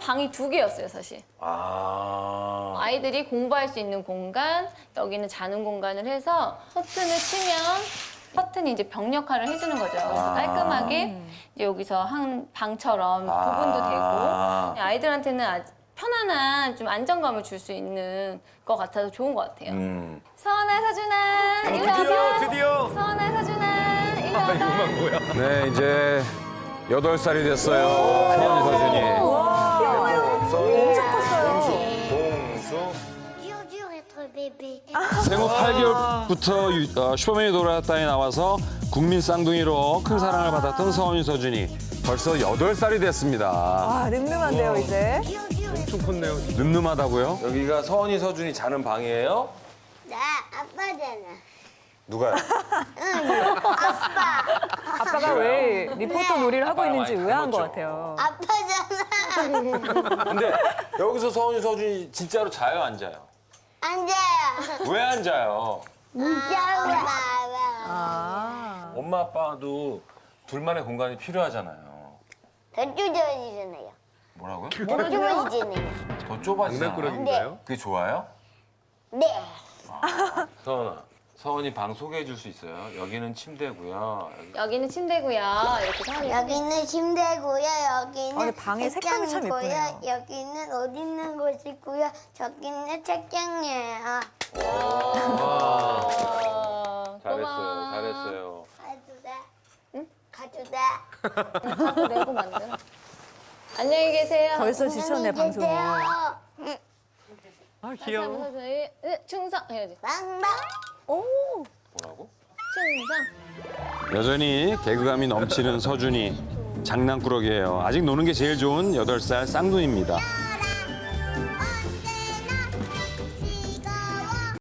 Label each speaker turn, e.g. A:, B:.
A: 방이 2개였어요, 사실. 아이들이 공부할 수 있는 공간, 여기는 자는 공간을 해서 커튼을 치면 커튼이 이제 벽 역할을 해주는 거죠. 그래서 깔끔하게 이제 여기서 한 방처럼 구분도 되고 아이들한테는 아주 편안한 좀 안정감을 줄 수 있는 것 같아서 좋은 것 같아요. 서원아, 서준아, 일로 와봐.
B: 드디어.
A: 서원아, 서준아, 일로 와봐.
B: 이거만 뭐야?
C: 네, 이제 8살이 됐어요. 서원이 서준이.
B: 엄청 컸어요. 봉수.
D: Dur, dur être bébé.
C: 생후 8개월부터 슈퍼맨이 돌아왔다에 나와서 국민 쌍둥이로 큰 사랑을 받았던 서원이 서준이. 벌써 8살이 됐습니다.
E: 아, 늠름한데요, 이제.
B: 엄청 컸네요.
C: 늠름하다고요?
F: 여기가 서원이 서준이 자는 방이에요?
D: 나 아빠잖아.
F: 누가요?
E: 아빠가 왜 리포터 놀이를 하고 있는지 의아한 것 같아요.
D: 아빠잖아.
F: 근데 여기서 서원이 서준이 진짜로 자요, 안 자요?
D: 앉아요.
F: 왜 안 자요?
D: 무서워.
E: 아.
F: 엄마 아빠도 둘만의 공간이 필요하잖아요.
D: 더 좁아지잖아요.
F: 뭐라고요?
D: 더 좁아지잖아요.
F: 더 좁아지잖아요.
B: 장난꾸러기인가요?
F: 그게 좋아요?
D: 네.
F: 서원아, 서원이 방 소개해 줄 수 있어요? 여기는 침대고요.
A: 여기는 침대고요. 이렇게 서원이
D: 여기는 침대고요. 여기는
E: 근데 방의 색감이 참
D: 책장이고요.
E: 예쁘네요.
D: 여기는 옷 있는 곳이고요. 저기는 책장이에요.
F: 잘했어요, 잘했어요.
D: 가도 돼? 응? 가도 돼?
A: 가도 내고 만들어. 안녕히 계세요.
E: 벌써 지쳤네, 방송이.
D: 아,
B: 아 귀여워.
A: 충성 해야지.
D: 빵빵.
F: 뭐라고?
A: 충성.
C: 여전히 개그감이 넘치는 서준이. 장난꾸러기예요. 아직 노는 게 제일 좋은 8살 쌍둥이입니다.